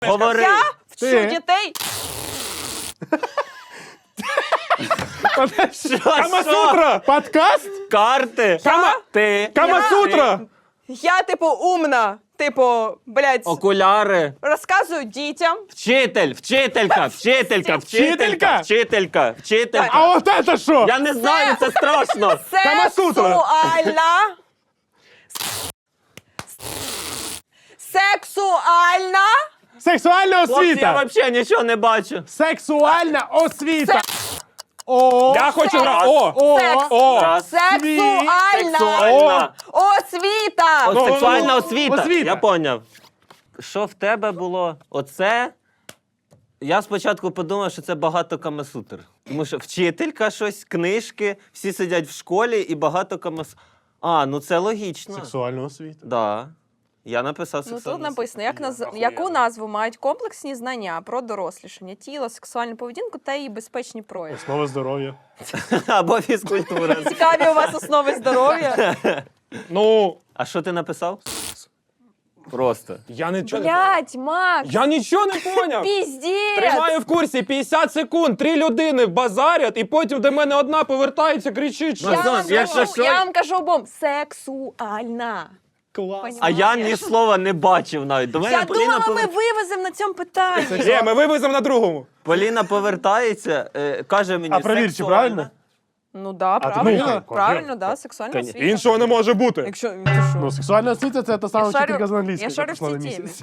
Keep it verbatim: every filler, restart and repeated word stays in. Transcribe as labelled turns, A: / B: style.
A: Говори.
B: Я вчу
C: Ти.
B: дітей.
A: Що, що?
C: Камасутра! Подкаст?
A: Карти.
B: Кама?
A: Ти.
C: Камасутра!
B: Я, типу, умна. Типу, блядь,
A: Окуляри.
B: розказую дітям.
A: Вчитель, вчителька, вчителька, вчителька, вчителька, вчителька.
C: А от це що?
A: Я не знаю, це страшно.
C: Камасутра.
B: Сексуальна. Сексуальна.
C: Сексуальна
A: Хлопці, я
C: освіта!
A: взагалі нічого не бачу.
C: Сексуальна освіта! О!
D: Я хочу
B: Секс.
D: грати. О!
C: О!
B: Секс.
D: О!
A: Раз.
B: Сексуальна.
A: Сексуальна.
B: Освіта.
A: О, сексуальна освіта.
C: освіта.
A: Я поняв. Що в тебе було? Оце? Я спочатку подумав, що це багато камасутр. Тому що вчителька щось, книжки, всі сидять в школі і багато камасутр. А, ну це логічно.
C: Сексуальна освіта.
A: Да. Я написав
B: Ну
A: сексуальну
B: тут написано, як наз... яку назву мають комплексні знання про дорослішання тіла, сексуальну поведінку та її безпечні прояви.
C: Основа здоров'я.
A: освіту. Або фізкультура.
B: Цікаві у вас основи здоров'я.
D: Ну,
A: А що ти написав? Просто.
D: я нічого не поняв.
B: Блять, Макс,
D: Я нічого не поняв.
B: піздець.
D: Тримаю в курсі п'ятдесят секунд, три людини базарять, і потім до мене одна повертається, кричить, що...
B: Я
A: Максим,
B: вам,
A: якщо
B: кажу,
A: що-
B: я вам кажу обом, сексуальна.
D: Клас.
A: А я ні слова не бачив навіть. До мене
B: Я
A: Поліна,
B: думала, ми
A: повер-
B: вивеземо на цьому питанні.
D: Є, ми вивеземо на другому.
A: Поліна повертається, е, каже мені,
C: А перевір, чи
A: сексуальна.
C: правильно?
B: Ну да,
C: ти
B: правильно.
C: думала?
B: Правильно, да, сексуальна
A: Конечно.
B: освіта.
D: Іншого не може бути.
B: Якщо ти
C: Ну,
B: що?
C: сексуальна освіта — це та сама
B: Я шарю-
C: вчителька з англійської,
B: я шарю
C: яка
B: в
C: пішла на
B: цій
C: місяць.
B: темі.